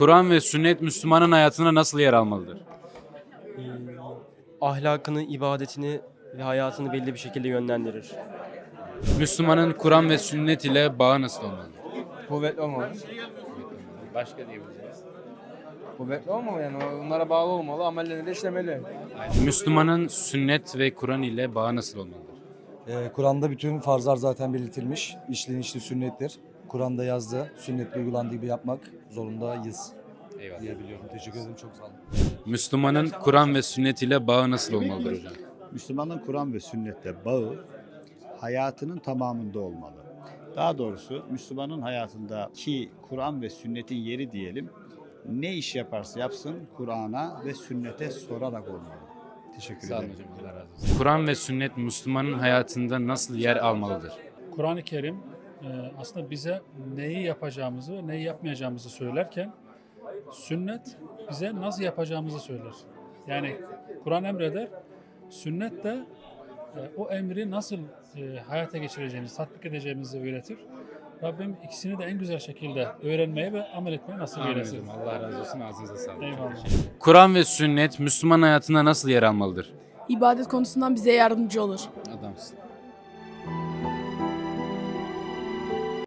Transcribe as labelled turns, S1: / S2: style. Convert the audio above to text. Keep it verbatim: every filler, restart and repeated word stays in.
S1: Kur'an ve sünnet Müslümanın hayatına nasıl yer almalıdır?
S2: Ahlakını, ibadetini ve hayatını belli bir şekilde yönlendirir.
S1: Müslümanın Kur'an ve sünnet ile bağı nasıl olmalıdır?
S3: Kuvvetli olmalı.
S1: Başka diyebiliriz.
S3: Kuvvetli olmalı yani. Onlara bağlı olmalı. Amellerini de işlemeli.
S1: Müslümanın sünnet ve Kur'an ile bağı nasıl olmalıdır?
S4: Ee, Kur'an'da bütün farzlar zaten belirtilmiş. İşlenişli sünnettir. Kur'an'da yazdı. Sünnetle uygulandığı gibi yapmak zorundayız
S1: Eyvallah.
S4: diyebiliyorum. Teşekkür ederim. Çok sağ olun.
S1: Müslümanın Kur'an ve sünnet ile bağı nasıl olmalıdır hocam?
S5: Müslümanın Kur'an ve sünnetle bağı hayatının tamamında olmalı. Daha doğrusu Müslümanın hayatındaki Kur'an ve sünnetin yeri diyelim, ne iş yaparsa yapsın Kur'an'a ve sünnete sorarak olmalı. Teşekkür
S1: Sağ olun
S5: ederim.
S1: hocam. Allah razı olsun. Kur'an ve sünnet Müslümanın hayatında nasıl yer almalıdır?
S6: Kur'an-ı Kerim e, aslında bize neyi yapacağımızı ve neyi yapmayacağımızı söylerken sünnet bize nasıl yapacağımızı söyler. Yani Kur'an emreder, sünnet de e, o emri nasıl e, hayata geçireceğimizi, tatbik edeceğimizi öğretir. Rabbim ikisini de en güzel şekilde öğrenmeyi ve amel etmeyi nasip
S1: Amin
S6: eylesin.
S1: hocam. Allah razı olsun. Ağzınıza sağlık.
S6: Eyvallah.
S1: Kur'an ve sünnet Müslüman hayatında nasıl yer almalıdır?
S7: İbadet konusundan bize yardımcı olur.
S1: Adamsın.